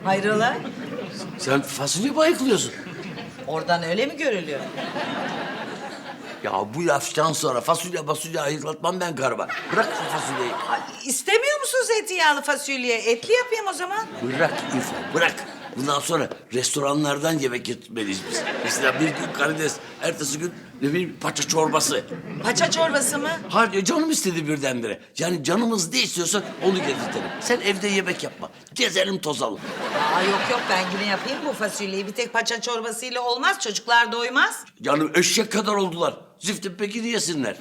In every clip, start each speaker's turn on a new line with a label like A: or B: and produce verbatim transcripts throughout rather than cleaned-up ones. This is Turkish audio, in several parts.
A: Hayrola?
B: Sen fasulye mi ayıklıyorsun?
A: Oradan öyle mi görülüyor?
B: Ya bu laftan sonra fasulye fasulye ayıklatmam ben karıma. Bırak şu fasulyeyi.
A: Ay, İstemiyor musun zeytinyağlı fasulye? Etli yapayım o zaman.
B: Bırak İrfan, bırak. Bundan sonra restoranlardan yemek getirmeliyiz biz. Mesela bir gün karides, ertesi gün ne bileyim paça çorbası.
A: Paça çorbası mı?
B: Hayır, canım istedi birdenbire. Yani canımız ne istiyorsa onu getirtelim. Sen evde yemek yapma. Gezelim tozalım.
A: Aa, yok yok ben yine yapayım bu fasulyeyi. Bir tek paça çorbasıyla olmaz. Çocuklar doymaz.
B: Canım eşek kadar oldular. Ziftin peki yesinler.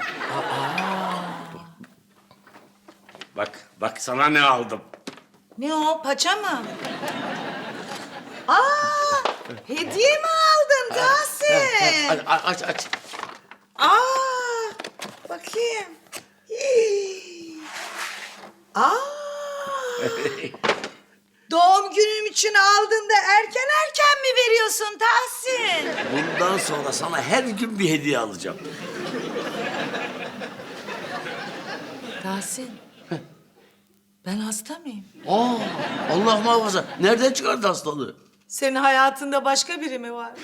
B: Bak, bak sana ne aldım.
A: Ne o? Paça mı? Aa! Hediye mi aldın Tahsin?
B: Hadi aç, aç.
A: Aa! Bakayım. Hii. Aa! Doğum günüm için aldın da erken erken mi veriyorsun Tahsin?
B: Bundan sonra sana her gün bir hediye alacağım.
A: Tahsin. Ben hasta mıyım?
B: Aa, Allah muhafaza. Nereden çıkardı hastalığı?
A: Senin hayatında başka biri mi var?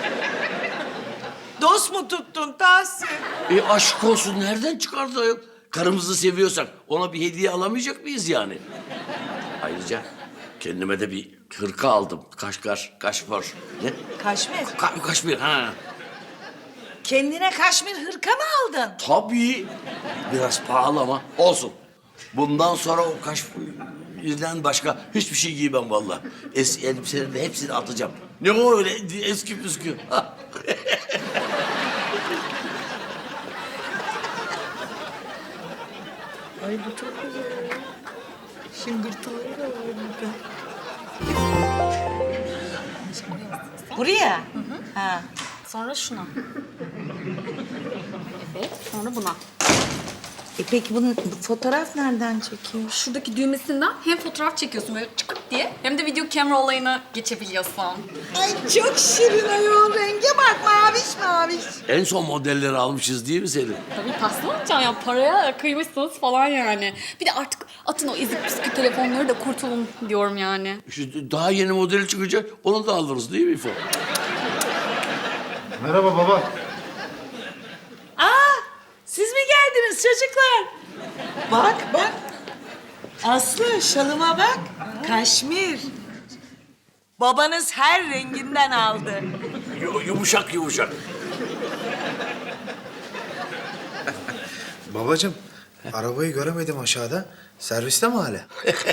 A: Dost mu tuttun Tahsin?
B: E aşk olsun, nereden çıkardı ayol? Karımızı seviyorsak ona bir hediye alamayacak mıyız yani? Ayrıca kendime de bir hırka aldım. Kaşgar, kaşmir. Ne?
A: Kaşmir.
B: Ka kaşmir, ha.
A: Kendine kaşmir hırka mı aldın?
B: Tabii. Biraz pahalı ama olsun. Bundan sonra o kaşmirden başka hiçbir şey giymem vallahi. Eski elbiselerin de hepsini atacağım. Ne o öyle eski püskü.
A: Ay bu çok güzel. Şıngırtıları da var burada. Buraya? Hı hı. Ha.
C: Sonra şuna. Evet, sonra buna.
A: E peki bunun bu fotoğraf nereden çekiyor?
C: Şuradaki düğmesinden hem fotoğraf çekiyorsun böyle çıkırt diye hem de video kamera olayına geçebiliyorsun.
A: Ay çok şirin ayol. Renge bak maviş maviş.
B: En son modelleri almışız değil mi Selin?
C: Tabii tahsil olacaksın ya paraya kıymışsınız falan yani. Bir de artık atın o ezik püskü telefonları da kurtulun diyorum yani.
B: İşte daha yeni modeli çıkacak, onu da alırız değil mi İfo?
D: Merhaba baba.
A: Aa, siz mi geldiniz çocuklar? Bak bak. Aslı şalıma bak. Kaşmir. Babanız her renginden aldı.
B: Yu- yumuşak yumuşak.
D: Babacığım, arabayı göremedim aşağıda. Serviste mi hala?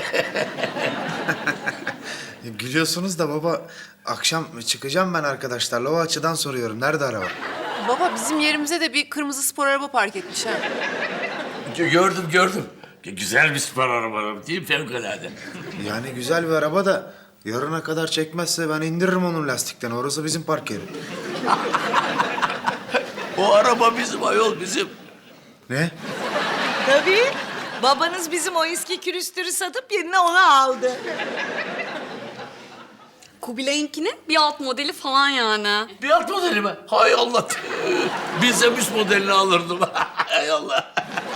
D: Gülüyorsunuz da baba, akşam çıkacağım ben arkadaşlarla. O açıdan soruyorum. Nerede araba?
E: Baba bizim yerimize de bir kırmızı spor araba park etmiş ha.
B: Gö- Gördüm gördüm. Güzel bir spor araba değil mi? Fevkalade.
D: Yani güzel bir araba da yarına kadar çekmezse ben indiririm onun lastikten. Orası bizim park yeri.
B: O araba bizim ayol bizim.
D: Ne?
A: Tabii. Babanız bizim o eski külüstürü satıp yerine onu aldı.
C: Kubilay'ınkinin bir alt modeli falan yani.
B: Bir alt modeli mi? Hay Allah. Bilsem üst modelini alırdım. Hay Allah.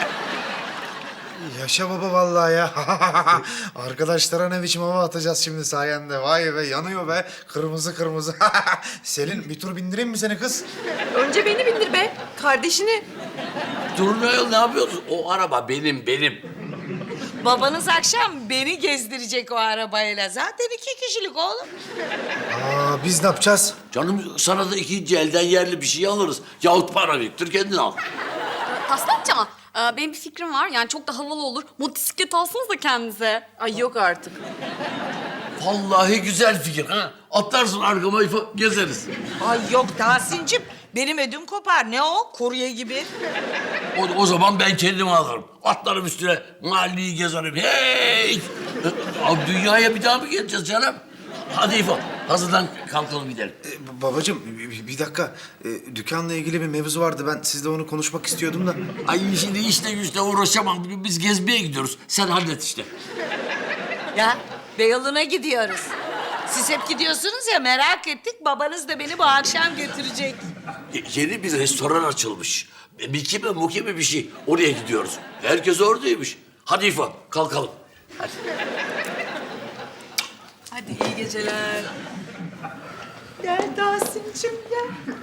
D: Yaşa baba vallahi ya. Arkadaşlara ne biçim hava atacağız şimdi sayende. Vay be, yanıyor be. Kırmızı kırmızı. Selin, bir tur bindireyim mi seni kız?
E: Önce beni bindir be. Kardeşini.
B: Durun ayol, ne yapıyorsun? O araba benim benim.
A: Babanız akşam beni gezdirecek o arabayla. Zaten iki kişilik oğlum.
D: Aa, biz ne yapacağız?
B: Canım sana da ikinci elden yerli bir şey alırız. Yahut para biriktir kendin al.
C: Taslatça ama e, benim bir fikrim var. Yani çok da havalı olur. Motosiklet alsanız da kendinize.
E: Ay yok artık.
B: Vallahi güzel fikir ha. Atlarsın arkama İfo, gezeriz.
A: Ay yok Tahsin'cim. Benim ödüm kopar. Ne o? Kurye gibi.
B: O, o zaman ben kendimi alırım. Atlarım üstüne, mahalleyi gezerim. Hey! Abi dünyaya bir daha mı geleceğiz canım? Hadi İfo, hazırlan kalkalım gidelim.
D: Ee, babacığım, bir, bir dakika. Ee, dükkanla ilgili bir mevzu vardı. Ben sizle onu konuşmak istiyordum da.
B: Ay şimdi işte güçle uğraşamam. Biz gezmeye gidiyoruz. Sen hallet işte.
A: Ya Beyoğlu'na gidiyoruz. Siz hep gidiyorsunuz ya merak ettik. Babanız da beni bu akşam götürecek.
B: Y- yeni bir restoran açılmış. Miki mi Muki mi bir şey. Oraya gidiyoruz. Herkes oradaymış. Hadi İfo, kalkalım. Hadi.
E: Hadi iyi geceler.
A: Gel Tahsin'cim gel.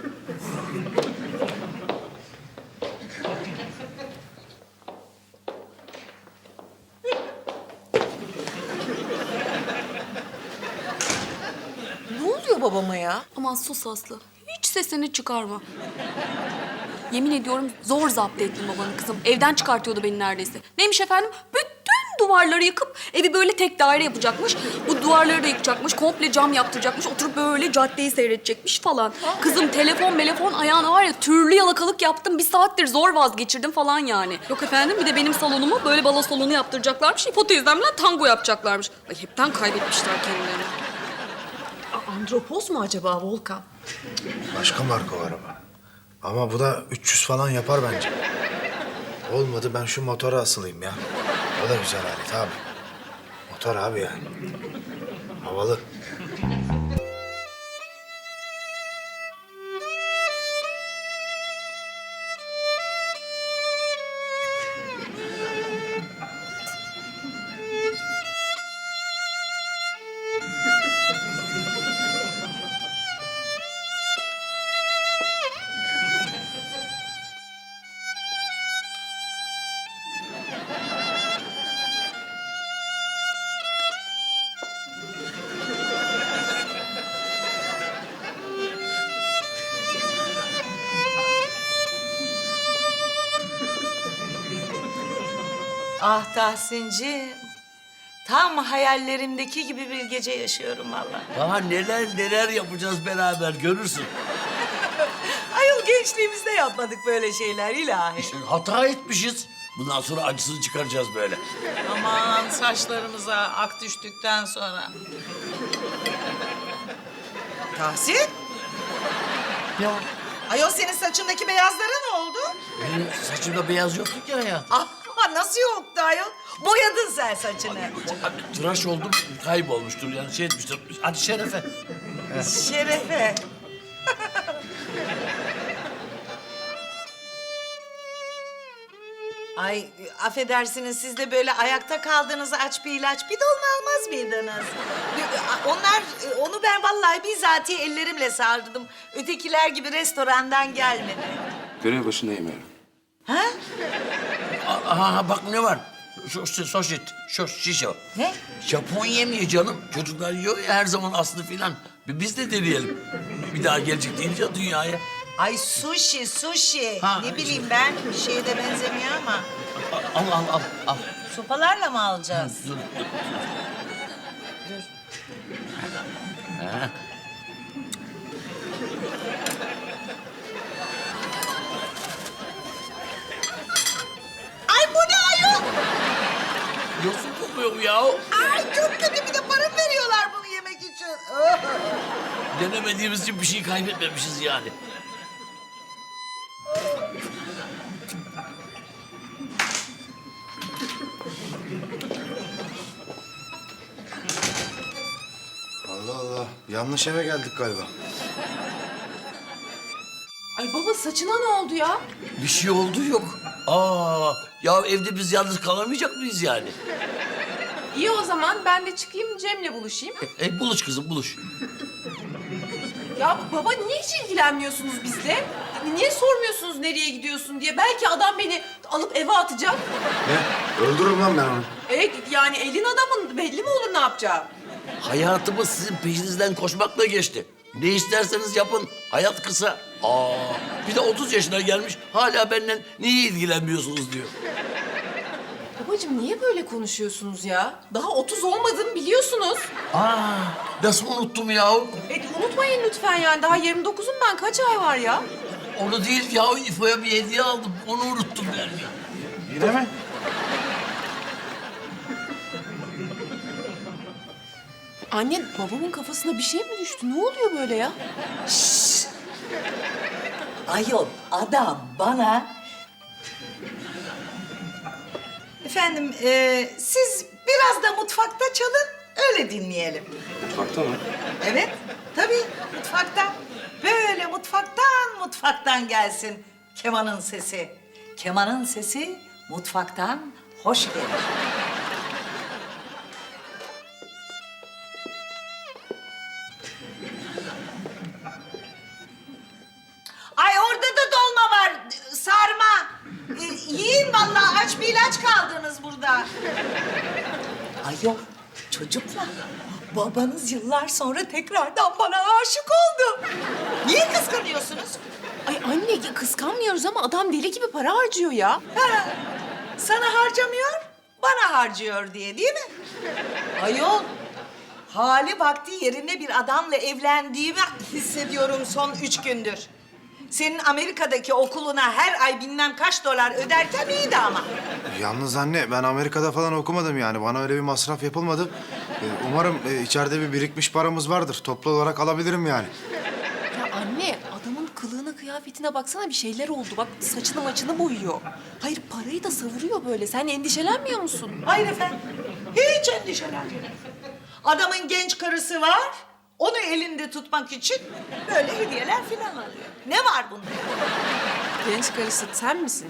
E: Ne oluyor babama ya?
C: Aman sus Aslı. Hiç sesini çıkarma. Yemin ediyorum zor zapt ettim babanı kızım. Evden çıkartıyordu beni neredeyse. Neymiş efendim? Bütün duvarları yıkıp evi böyle tek daire yapacakmış. Bu duvarları da yıkacakmış. Komple cam yaptıracakmış. Oturup böyle caddeyi seyredecekmiş falan. Kızım telefon telefon ayağına var ya türlü yalakalık yaptım. Bir saattir zor vazgeçirdim falan yani. Yok efendim bir de benim salonumu böyle balo salonu yaptıracaklarmış. İpo teyzemle tango yapacaklarmış. Ay hepten kaybetmişler kendilerini.
E: Andropos mu acaba Volkan?
D: Başka marka o araba. Ama bu da üç yüz falan yapar bence. Olmadı ben şu motora asılayım ya. O da güzel alet abi. Motor abi yani. Havalı.
A: Ah Tahsin'cim. Tam hayallerimdeki gibi bir gece yaşıyorum vallahi.
B: Daha neler neler yapacağız beraber görürsün.
A: Ayol gençliğimizde yapmadık böyle şeyler ilahi.
B: İşte hata etmişiz. Bundan sonra acısını çıkaracağız böyle.
A: Aman saçlarımıza ak düştükten sonra. Tahsin?
B: Ya
A: Ayol senin saçındaki beyazlara ne oldu?
B: benim saçımda beyaz yoktu ki hayat.
A: Ah nasıl yoktu ayol? Boyadın sen saçını.
B: Abi, tıraş oldum kaybolmuştur yani şey etmiştir. Hadi şerefe.
A: Şerefe. Ay affedersiniz siz de böyle ayakta kaldığınız aç bir ilaç bir dolma almaz mıydınız? Onlar onu ben vallahi bizatihi ellerimle sağırdım. Ötekiler gibi restorandan gelmedi.
F: Görev başındayım yarın.
A: Ha?
B: Aha bak ne var? Şu, şu soşet, şu şişe.
A: Ne?
B: Japon yemeği canım. Çocuklar yiyor ya her zaman aslı filan. Biz de deneyelim. Bir daha gelecek deyince dünyaya.
A: Ay sushi, sushi.
B: Ha,
A: ne bileyim ben bir şeye de benzemiyor ama.
B: Al al al al.
A: Sopalarla mı alacağız?
B: Dur, dur.
A: Dur.
B: Ha.
A: Ay bu ne ayol?
B: Yosun kokuyor bu ya.
A: Ay çok kötü bir de para mı veriyorlar bunu yemek için? Oh.
B: Denemediğimiz için bir şey kaybetmemişiz yani.
D: Allah Allah. Yanlış eve geldik galiba.
E: Ay baba saçına ne oldu ya?
B: Bir şey oldu yok. Aa, ya evde biz yalnız kalamayacak mıyız yani?
E: İyi o zaman ben de çıkayım Cem'le buluşayım.
B: E, e, buluş kızım buluş.
E: Ya baba niye hiç ilgilenmiyorsunuz bizle? Niye sormuyorsunuz nereye gidiyorsun diye? Belki adam beni alıp eve atacak.
D: Ne? Öldürürüm lan ben onu.
E: Evet yani elin adamın belli mi olur ne yapacağı?
B: Hayatımız sizin peşinizden koşmakla geçti. Ne isterseniz yapın. Hayat kısa. Aa, bir de otuz yaşına gelmiş hala benden niye ilgilenmiyorsunuz diyor.
E: Babacığım niye böyle konuşuyorsunuz ya? Daha otuz olmadım biliyorsunuz.
B: Aa, nasıl unuttum ya?
E: E, unutmayın lütfen yani. Daha yirmi dokuzum ben. Kaç ay var ya?
B: Onu değil ya, İfo'ya bir hediye aldım. Onu unuttum yani.
D: Yine mi?
E: Anne babamın kafasına bir şey mi düştü? Ne oluyor böyle ya?
A: Ayol adam bana... Efendim e, siz biraz da mutfakta çalın öyle dinleyelim.
F: Mutfakta mı?
A: Evet tabii mutfaktan. Böyle mutfaktan mutfaktan gelsin kemanın sesi. Kemanın sesi mutfaktan hoş gelir. aç kaldınız burada? Ayol çocuklar, babanız yıllar sonra tekrardan bana aşık oldu. Niye kıskanıyorsunuz?
E: Ay anne ya kıskanmıyoruz ama adam deli gibi para harcıyor ya.
A: Ha, sana harcamıyor, bana harcıyor diye değil mi? Ayol, hali vakti yerinde bir adamla evlendiğimi hissediyorum son üç gündür. Senin Amerika'daki okuluna her ay bilmem kaç dolar öderken iyiydi ama.
D: Yalnız anne ben Amerika'da falan okumadım yani. Bana öyle bir masraf yapılmadı. Ee, umarım e, içeride bir birikmiş paramız vardır. Toplu olarak alabilirim yani.
E: Ya anne adamın kılığına kıyafetine baksana bir şeyler oldu. Bak saçını maçını boyuyor. Hayır parayı da savuruyor böyle. Sen endişelenmiyor musun?
A: Hayır efendim, hiç endişelenmeyin. Adamın genç karısı var, onu elinde tutmak için böyle hediyeler falan alıyor. Ne var bunda?
E: Genç karısı sen misin?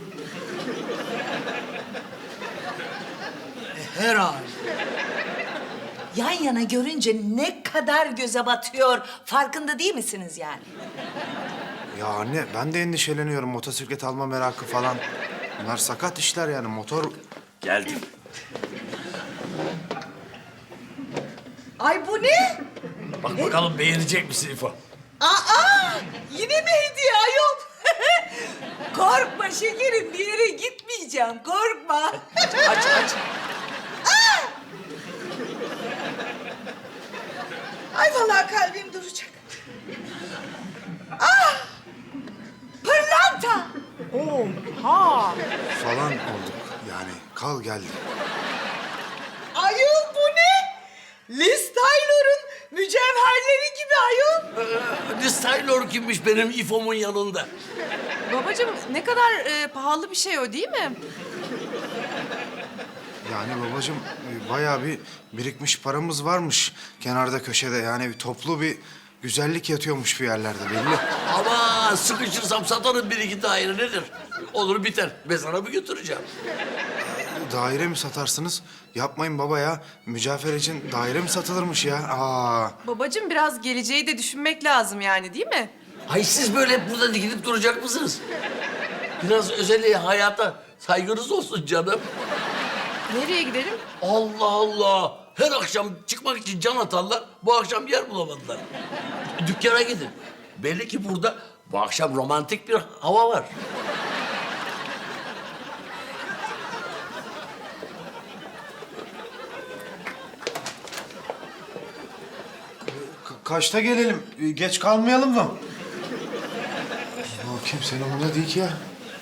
A: Herhalde. Yan yana görünce ne kadar göze batıyor, farkında değil misiniz yani?
D: Ya anne ben de endişeleniyorum. Motosiklet alma merakı falan. Bunlar sakat işler yani. Motor
B: Geldim.
A: Ay bu ne?
B: Bak bakalım beğenecek misin İfo?
A: Aa, yine mi hediye ayol? Korkma şekerim, bir yere gitmeyeceğim, korkma.
B: Aç aç.
A: Ay vallahi kalbim duracak. Ah! Pırlanta!
E: Ha.
D: falan olduk. Yani kal geldi.
A: Ayol bu ne? Liz Taylor'ın mücevherleri gibi ayol.
B: Ee, Liz Taylor kimmiş benim İfo'mun yanında?
E: Babacığım ne kadar e, pahalı bir şey o değil mi?
D: Yani babacığım e, bayağı bir birikmiş paramız varmış kenarda köşede. Yani bir toplu bir güzellik yatıyormuş bir yerlerde belli.
B: Ama sıkışırsam satarım bir iki daire nedir? Olur biter. Ben sana mı götüreceğim?
D: Daire mi satarsınız? Yapmayın baba ya. Mücevher için daire mi satılırmış ya? Aa.
E: Babacığım biraz geleceği de düşünmek lazım yani değil mi?
B: Ay siz böyle hep burada dikilip duracak mısınız? Biraz özel hayata saygınız olsun canım.
E: Nereye gidelim?
B: Allah Allah. Her akşam çıkmak için can atarlar. Bu akşam yer bulamadılar. Dükkana gidin. Belli ki burada bu akşam romantik bir hava var.
D: Ka- kaçta gelelim? Ee, Geç kalmayalım mı? O kimsenin umurunda değil ki ya.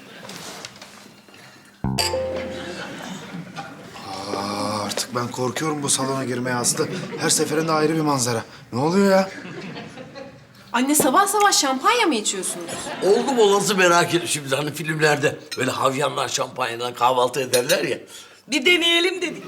D: Aa, artık ben korkuyorum bu salona girmeye Aslı. Her seferinde ayrı bir manzara. Ne oluyor ya?
E: Anne sabah sabah şampanya mı içiyorsunuz?
B: Oldu mu olası merak ettim şimdi. Hani filmlerde böyle havyanlar şampanyadan kahvaltı ederler ya.
A: Bir deneyelim dedik.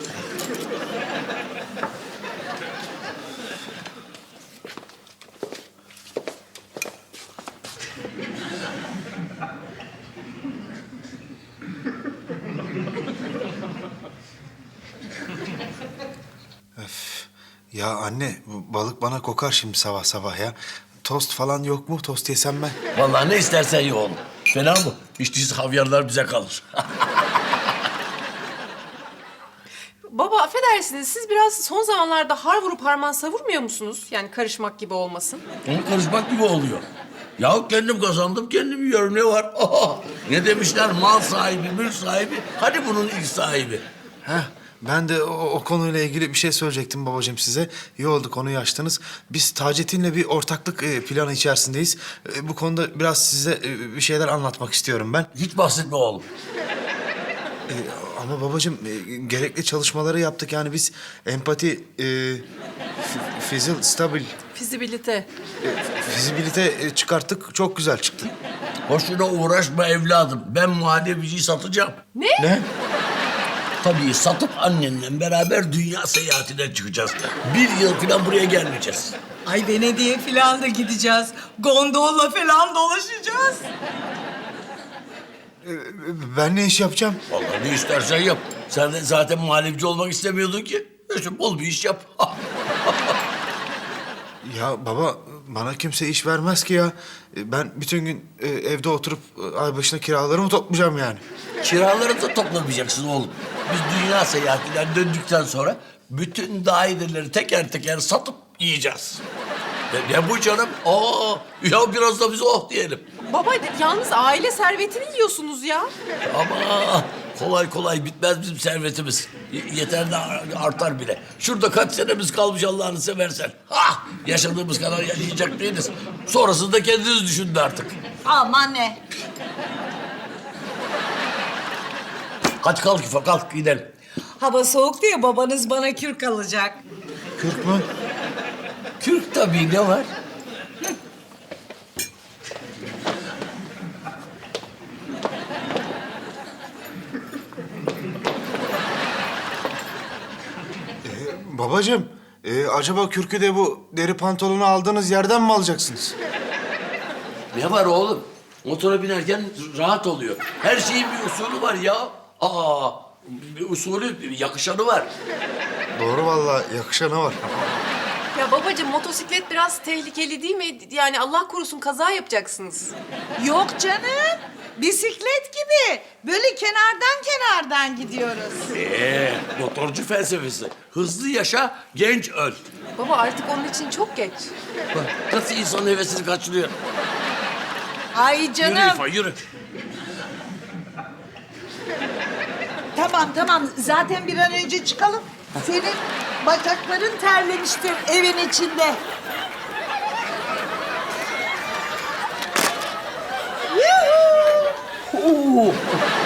D: Ya anne bu balık bana kokar şimdi sabah sabah ya. Tost falan yok mu? Tost yesem ben.
B: Vallahi ne istersen ye oğlum. Fena mı? Hiç değilse havyarlar bize kalır.
E: Baba affedersiniz siz biraz son zamanlarda har vurup harman savurmuyor musunuz? Yani karışmak gibi olmasın.
B: Onu karışmak gibi oluyor. Ya kendim kazandım, kendim yiyorum. Ne var? Ne demişler? Mal sahibi, mülk sahibi. Hadi bunun ilk sahibi.
D: Heh, ben de o, o konuyla ilgili bir şey söyleyecektim babacığım size. İyi oldu konuyu açtınız. Biz Taceddin'le bir ortaklık e, planı içerisindeyiz. E, bu konuda biraz size e, bir şeyler anlatmak istiyorum ben.
B: Hiç bahsetme oğlum.
D: E, ama babacığım e, gerekli çalışmaları yaptık. Yani biz empati, e, f- fizil, stabil,
E: Fizibilite.
D: e, fizibilite e, çıkarttık. Çok güzel çıktı.
B: Boşuna uğraşma evladım. Ben muhallebiciyi satacağım.
E: Ne?
D: Ne?
B: Tabii satıp annenle beraber dünya seyahatine çıkacağız. Bir yıl falan buraya gelmeyeceğiz.
A: Ay Venedik'e falan da gideceğiz. Gondolla falan dolaşacağız.
D: E, ben ne iş yapacağım?
B: Vallahi ne istersen yap. Sen de zaten muhallebci olmak istemiyordun ki. İşte bol bir iş yap.
D: Ya baba bana kimse iş vermez ki ya. E, Ben bütün gün e, evde oturup e, ay başına kiralarımı toplayacağım yani.
B: Kiraları da toplamayacaksın oğlum. Biz dünya seyahatinden döndükten sonra bütün daireleri teker teker satıp yiyeceğiz. Ne, ne bu canım? Aa, ya biraz da biz oh diyelim.
E: Baba yalnız aile servetini yiyorsunuz ya.
B: Ama kolay kolay bitmez bizim servetimiz. Y- yeter de ar- artar bile. Şurada kaç senemiz kalmış Allah'ını seversen. Ah, yaşadığımız kadar yaşayacak değiliz. Sonrasını da kendiniz düşünün artık.
A: Aman ne?
B: Hadi kalk İfa, kalk gidelim.
A: Hava soğuk diye babanız bana kürk alacak.
D: Kürk mü?
B: Kürk tabii, ne var?
D: Babacığım e, acaba kürkü de bu deri pantolonu aldığınız yerden mi alacaksınız?
B: Ne var oğlum? Motora binerken rahat oluyor. Her şeyin bir usulü var ya. Aa, bir usulü, yakışanı var.
D: Doğru vallahi yakışanı var.
E: Ya babacığım motosiklet biraz tehlikeli değil mi? Yani Allah korusun kaza yapacaksınız.
A: Yok canım. Bisiklet gibi. Böyle kenardan kenardan gidiyoruz.
B: Ee, motorcu felsefesi. Hızlı yaşa, genç öl.
E: Baba artık onun için çok geç.
B: Bak, nasıl insanın hevesini kaçırıyor.
A: Ay
B: Yürü
A: canım.
B: İfa, yürü.
A: Tamam tamam. Zaten bir an önce çıkalım. Senin bacakların terlemiştir evin içinde. Yuhuu!
B: Oo.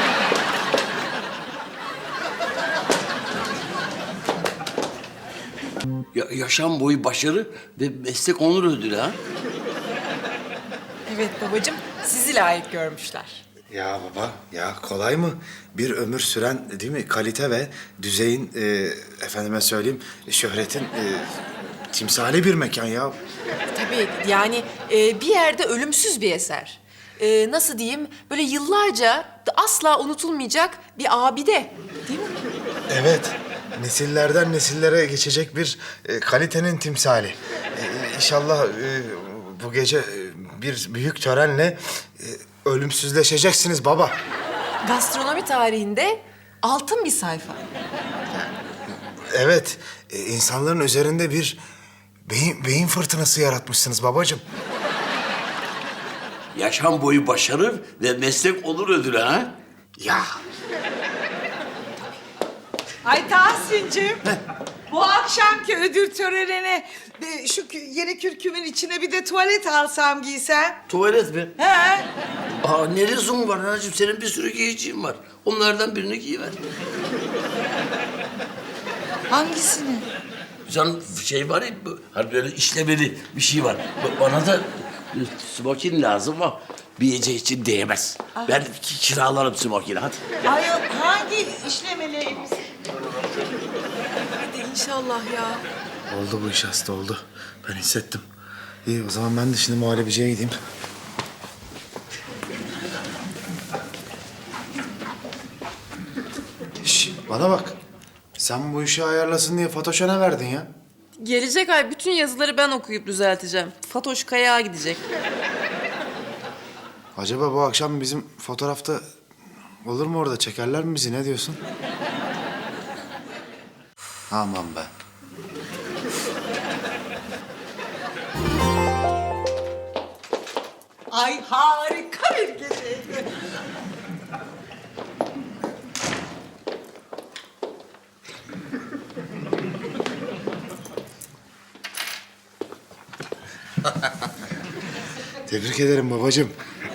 B: Ya, yaşam boyu başarı ve meslek onur ödülü ha.
G: Evet babacığım, sizi layık görmüşler.
D: Ya baba ya kolay mı? Bir ömür süren değil mi kalite ve düzeyin e, efendime söyleyeyim şöhretin e, timsali bir mekan ya.
E: Tabii yani e, bir yerde ölümsüz bir eser. E, nasıl diyeyim böyle yıllarca da asla unutulmayacak bir abide değil mi?
D: Evet nesillerden nesillere geçecek bir e, kalitenin timsali. E, inşallah e, bu gece e, bir büyük törenle e, ölümsüzleşeceksiniz baba.
E: Gastronomi tarihinde altın bir sayfa.
D: Evet e, insanların üzerinde bir beyin, beyin fırtınası yaratmışsınız babacığım.
B: Yaşam boyu başarı ve meslek onur ödülü ha.
D: Ya
A: Ay Tahsin'cim. Bu akşamki ödül törenine e, şu kü- yeni kürkümün içine bir de tuvalet alsam giysem.
B: Tuvalet mi?
A: He?
B: Aa, ne lüzum var anacığım? Senin bir sürü giyeceğin var. Onlardan birini giyiver.
A: Hangisini?
B: Sen şey var ya, bu- hani böyle işlemeli bir şey var. Ba- Bana da e, smokin lazım ama bir gece için değmez. Ben ki- kiralarım smokini, hadi.
A: Ay hangi işlemeli elbise?
E: Hadi inşallah ya.
D: oldu bu iş hasta oldu. Ben hissettim. İyi o zaman ben de şimdi muhallebiciye gideyim. Şş, bana bak. Sen bu işi ayarlasın diye Fatoş'a ne verdin ya?
E: Gelecek ay bütün yazıları ben okuyup düzelteceğim. Fatoş Kayağa gidecek.
D: Acaba bu akşam bizim fotoğrafta olur mu orada? Çekerler mi bizi? Ne diyorsun? Aman be.
A: Ay harika bir geceydi.
D: Tebrik ederim babacığım.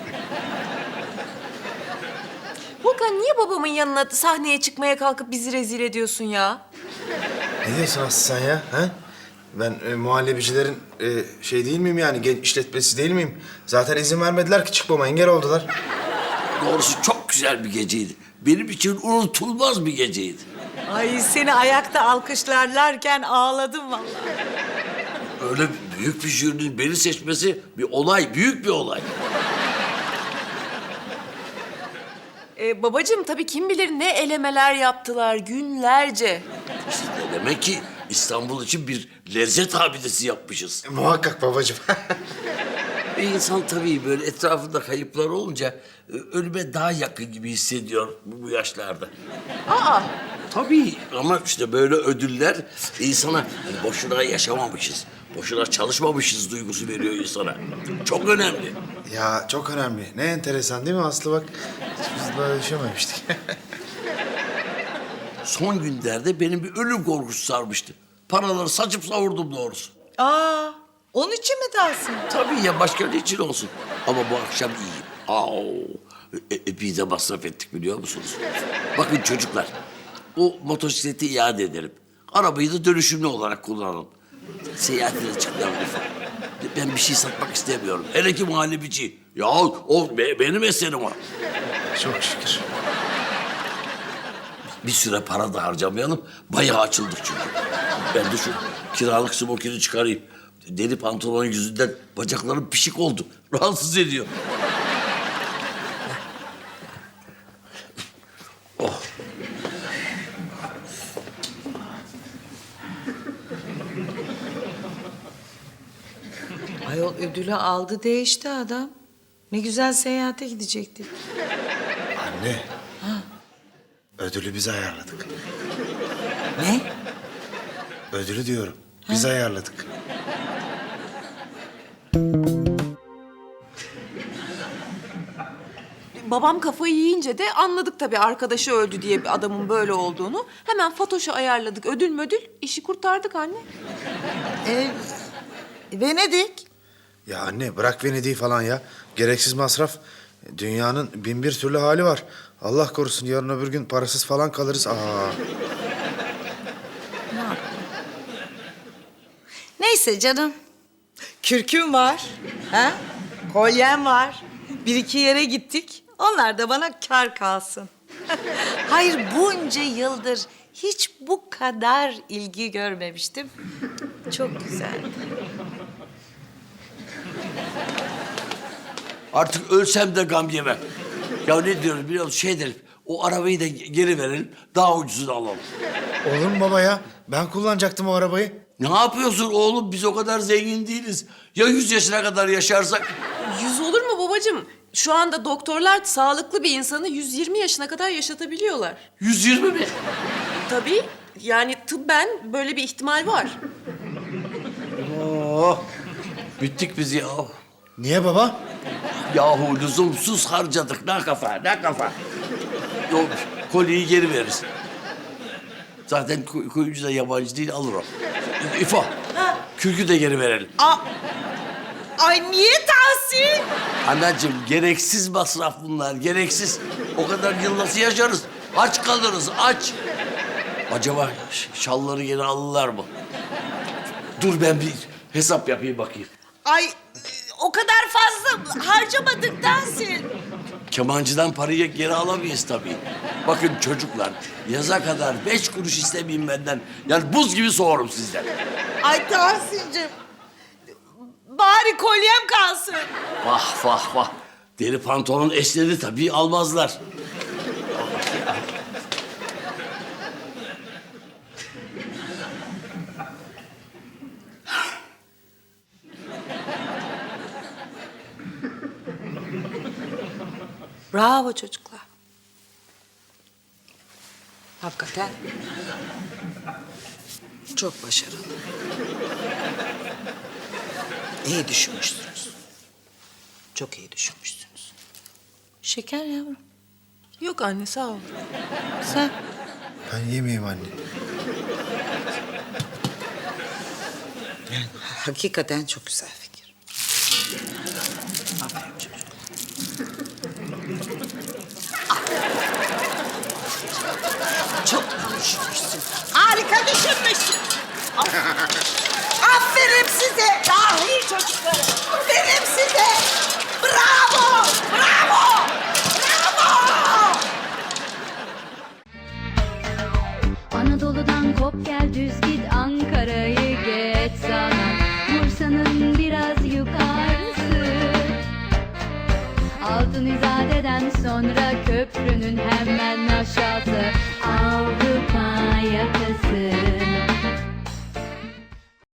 E: Volkan niye babamın yanına sahneye çıkmaya kalkıp bizi rezil ediyorsun ya?
D: Ne diyorsun Aslı sen ya? Ha? Ben e, muhallebicilerin e, şey değil miyim yani? Genç işletmesi değil miyim? Zaten izin vermediler ki çıkmama. Engel oldular.
B: Doğrusu çok güzel bir geceydi. Benim için unutulmaz bir geceydi.
A: Ay seni ayakta alkışlarlarken ağladım vallahi.
B: Öyle büyük bir jürinin beni seçmesi bir olay, büyük bir olay.
E: Ee, babacığım tabii kim bilir ne elemeler yaptılar günlerce.
B: İşte demek ki İstanbul için bir lezzet abidesi yapmışız.
D: E, muhakkak babacığım.
B: Bir insan tabii böyle etrafında kayıplar olunca e, ölüme daha yakın gibi hissediyor bu bu yaşlarda.
E: Aa,
B: Tabii ama işte böyle ödüller insana hani boşuna yaşamamışız, boşuna çalışmamışız duygusu veriyor insana. Çok önemli.
D: Ya çok önemli. Ne enteresan değil mi Aslı bak. Hiç biz böyle düşünmemiştik.
B: Son günlerde benim bir ölüm korkusu sarmıştı. Paraları saçıp savurdum doğrusu.
A: Aa, onun için mi Tahsin?
B: Tabii ya başka ne için olsun. Ama bu akşam iyiyim. Aa, e, epey de masraf ettik biliyor musunuz? Bakın çocuklar, o motosikleti iade ederim. Arabayı da dönüşümlü olarak kullanalım. Seyahatine çıkmayalım lütfen. Ben bir şey satmak istemiyorum. Hele ki muhallebici. Ya o be- benim eserim o.
D: Çok şükür.
B: Bir süre para da harcamayalım. Bayağı açıldık çünkü. Ben de şu kiralık smokini çıkarayım. Deri pantolon yüzünden bacaklarım pişik oldu. Rahatsız ediyor. Oh.
A: Ayol ödülü aldı değişti adam. Ne güzel seyahate gidecektik.
D: Anne. Ödülü biz ayarladık.
A: Ne?
D: Ödülü diyorum. Biz ayarladık.
E: babam kafayı yiyince de anladık tabii arkadaşı öldü diye bir adamın böyle olduğunu. Hemen Fatoş'u ayarladık. Ödül mödül işi kurtardık anne.
A: Ee, Venedik.
D: Ya anne bırak Venedik'i falan ya. Gereksiz masraf. Dünyanın bin bir türlü hali var. Allah korusun yarın öbür gün parasız falan kalırız. Aa.
A: Neyse canım. Kürküm var. Ha? Kolyem var. Bir iki yere gittik. Onlar da bana kar kalsın. Hayır bunca yıldır hiç bu kadar ilgi görmemiştim. Çok güzeldi.
B: Artık ölsem de gam yemem. Ya ne diyoruz biliyor musun? Şey edelim, o arabayı da geri verelim, daha ucuzunu alalım.
D: Olur mu baba ya? Ben kullanacaktım o arabayı.
B: Ne yapıyorsun oğlum? Biz o kadar zengin değiliz. Ya yüz yaşına kadar yaşarsak?
E: Yüz olur mu babacığım? Şu anda doktorlar sağlıklı bir insanı yüz yirmi yaşına kadar yaşatabiliyorlar.
B: Yüz yirmi mi?
E: Tabii yani tıbben böyle bir ihtimal var.
B: Oh, bittik biz ya.
D: Niye baba?
B: Yahu lüzumsuz harcadık. Ne kafa, ne kafa. Yok, kolyeyi geri veririz. Zaten koy- koyuncu da yabancı değil, alır o. İfo, kürkü de geri verelim.
A: Aa, ay niye Tahsin?
B: Anacığım, gereksiz masraf bunlar, gereksiz. O kadar yıl nasıl yaşarız? Aç kalırız, aç. Acaba ş- şalları geri alırlar mı? Dur ben bir hesap yapayım bakayım.
A: Ay o kadar fazla harcamadık Tahsin.
B: Kemancıdan parayı geri alamayız tabii. Bakın çocuklar, yaza kadar beş kuruş istemeyeyim benden. Yani buz gibi soğurum sizden.
A: Ay Tahsin'cim. Bari kolyem kalsın.
B: Vah vah vah. Deri pantolon eşleri tabii almazlar.
A: Bravo çocuklar. Hakikaten çok başarılı. İyi düşünmüşsünüz. Çok iyi düşünmüşsünüz. Şeker yavrum.
E: Yok anne sağ ol.
A: Sen?
D: Ben yemeyeyim anne.
A: Hakikaten çok güzel fikir. Aferin çocuk. Çok düşünmüşsün. Harika düşünmüşsün. Aferin size. Dahi çocuklarım. Aferin size. Bravo. Bravo. Bravo.
H: Anadolu'dan kop gel düz git Ankara'yı geç sana Bursa'nın biraz yukarısı Altın İzade'den sonra köprünün hemen aşağısı Avrupa